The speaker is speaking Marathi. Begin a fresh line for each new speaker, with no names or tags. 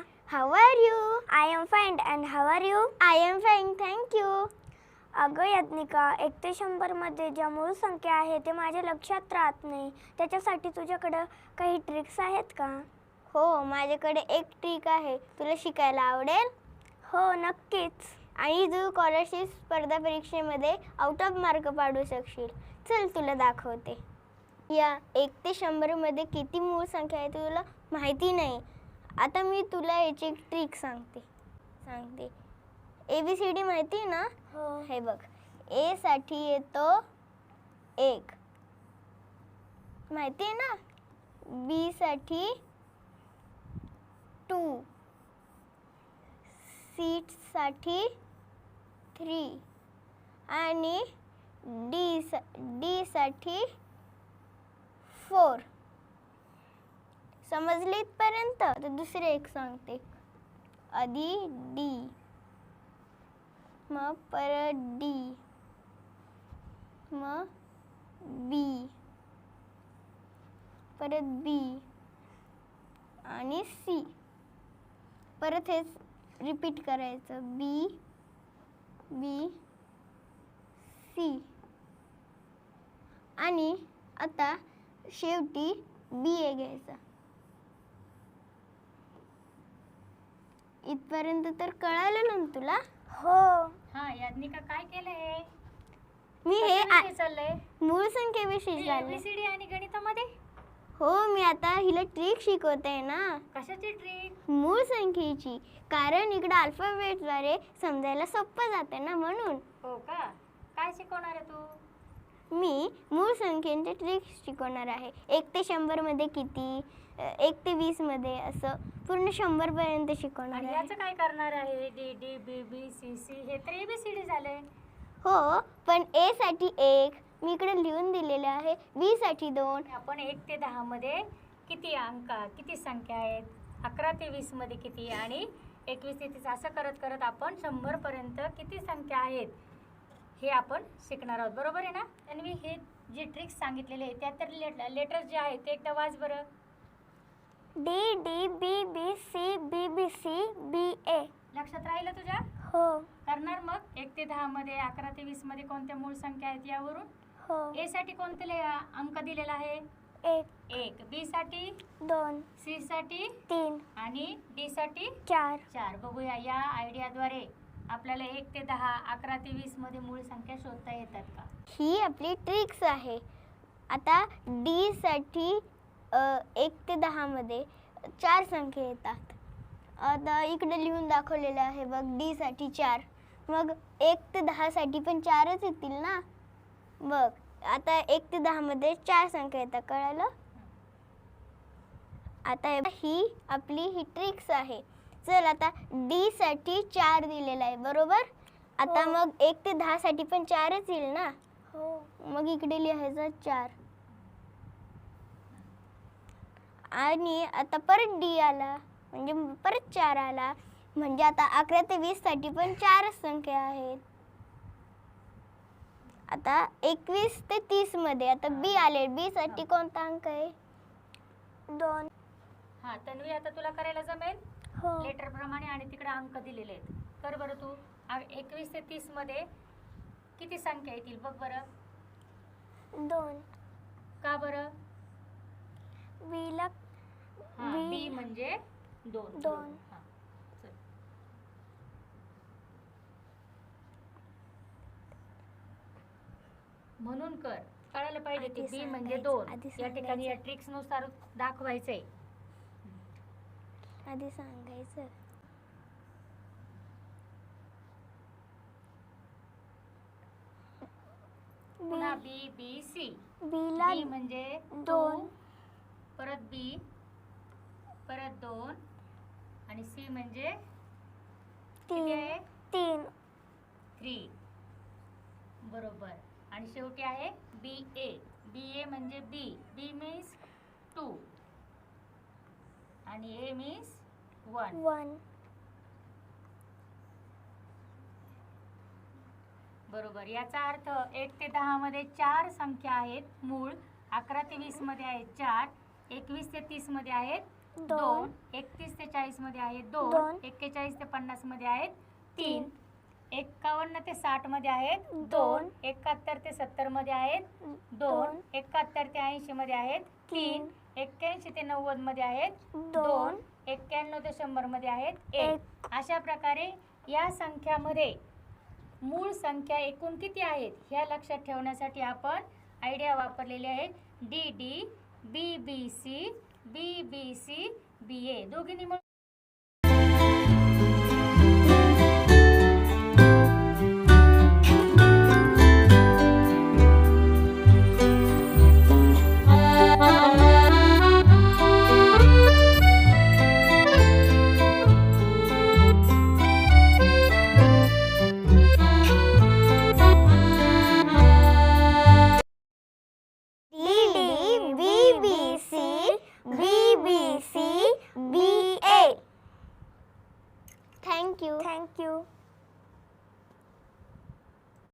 How are you?
I am fine and how are you?
I am fine, thank you.
अगं याज्ञिका, 1 ते 100 मध्ये ज्या मूळ संख्या आहे ते माझ्या लक्षात राहत नाही. त्याच्यासाठी तुझ्याकडे काही ट्रिक्स आहेत का?
हो, माझ्याकडे एक ट्रिक आहे. तुला शिकायला आवडेल?
हो, नक्कीच.
आणि तू स्कॉलरशिप स्पर्धा परीक्षेमध्ये आउट ऑफ मार्क पाडू शकशील. चल तुला दाखवते. या 1 ते 100 मध्ये किती मूळ संख्या आहे तुला माहिती नाही. आता मी तुला याची एक ट्रिक सांगते. ABCD माहिती आहे ना?
हो.
हे बघ, A साठी येतो 1, माहिती आहे ना? B साठी 2, C साठी 3 आणि D साठी 4. समजली इथपर्यंत? तर दुसरे एक सांगते. आधी D, मग परत D, मग B, परत B आणि C. परत हेच रिपीट करायचं. B, B, C आणि आता शेवटी BA घ्यायचा. इथपर्यंत तर कळालं ना तुला?
हो.
हा याज्ञिका, काय केलंय?
मी हे
चाललंय
मूळ संख्येविषयी झालं.
ABCD आणि गणितामध्ये.
हो, मी आता हिला ट्रिक शिकवते ना,
कशाची ट्रिक?
मूळ संख्येची. कारण इकडे अल्फाबेटद्वारे समजायला सोपं जाते ना, म्हणून.
हो का? काय शिकवणार आहे तू?
मी मूळ संख्येचे ट्रिक शिकवणार आहे. 1 ते 100 मध्ये किती, 1 ते 20 मध्ये, असं पूर्ण 100 पर्यंत शिकवणार
आणि
आहे.
याचं काय करणार आहे? D, B, B, C, हे तर ABCD झाले.
हो, पण A साठी 1 मी इकडे लिहून दिलेले आहे. B साठी 2.
आपण 1 ते 10 मध्ये किती अंक, किती संख्या आहेत, 11 ते 20 मध्ये किती आणि 21 ते 30 असं करत करत आपण 100 पर्यंत किती संख्या आहेत हे आपण शिकणार आहोत. बरोबर आहे ना? आणि मी हे जे ट्रिक्स सांगितलेले आहे त्यात तर लेटर्स जे आहेत ते एकदा वाच बरं.
D, D, B, B, C, B, B, C, B, A.
लक्षात राहिलं तुझ्या?
हो.
करणार मग 1 ते 10 मध्ये, 11 ते 20 मध्ये कोणत्या मूळ संख्या आहेत यावरून.
हो.
A साठी कोणते अंक दिलेला आहे? 1. B साठी
2,
C साठी
3
आणि D साठी
4.
बघूया या आयडियाद्वारे आपल्याला 1 ते 10, 11 ते 20 मध्ये मूळ संख्या शोधता येतात का?
ही आपली ट्रिक्स आहे. आता D साठी 1 ते 10 मध्ये 4 संख्या येतात. आता इकडे लिहून दाखवलेलं आहे बघ, D साठी 4. मग 1 ते 10 साठी पण 4च येतील ना. बघ, आता 1 ते 10 मध्ये 4 संख्या येतात. कळालं? आता ही आपली ट्रिक्स आहे. चल, आता D साठी 4 दिलेला आहे, बरोबर? आता
हो.
मग 1 ते 10 साठी पण 4च येईल ना.
हो.
मग इकडे लिहायचं 4. आणि आता परत D आला, म्हणजे परत 4 आला. म्हणजे आता 11 ते 20 साठी पण 4च संख्या आहेत. आता 21 ते 30 मध्ये आता B आले. B साठी कोणता अंक आहे?
2.
हा तन्वी, आता तुला करायला जमेल
हो.
लेटर प्रमाणे आणि तिकडे अंक दिलेले आहेत. कर बरं तू. 21 ते 30 मध्ये किती संख्या येतील बघ बरं.
2.
का बरं?
B ला
B म्हणजे 2.
2.
म्हणून कळायला पाहिजे की
आधी
B म्हणजे
सांगायचं,
2.
आधी
या ठिकाणी या
सांगायचं.
ट्रिक्स नुसार दाखवायचंय.
आधी सांगायचं.
पुन्हा B, B, C.
B ला
B म्हणजे
2.
परत B, परत 2 आणि C म्हणजे किती आहे?
3.
3. बरोबर. आणि शेवटी आहे BA. BA म्हणजे B. B मीन्स 2 आणि A मीन्स 1. बरोबर. याचा अर्थ 1 ते 10 मध्ये 4 संख्या आहेत मूळ, 11 ते 20 मध्ये आहेत 4, 21 ते 30 मध्ये आहेत 2, 31 ते 40 मध्ये आहेत 2,
दोन.
41 ते 50 मध्ये आहेत 3, 51 ते 60 मध्ये आहेत 2,
दोन.
71 ते 70 मध्ये आहेत 2, 71 ते 80 मध्ये आहेत 3, 81 ते 90 मध्ये आहेत 2, 91 ते 100 मध्ये आहेत 1. अशा प्रकारे या संख्यामध्ये मूळ संख्या एकूण किती आहेत ह्या लक्षात ठेवण्यासाठी आपण आयडिया वापरलेली आहे. DD, BBC, BBC, BA दोघींनी मिळून
Thank you.
थँक्यू.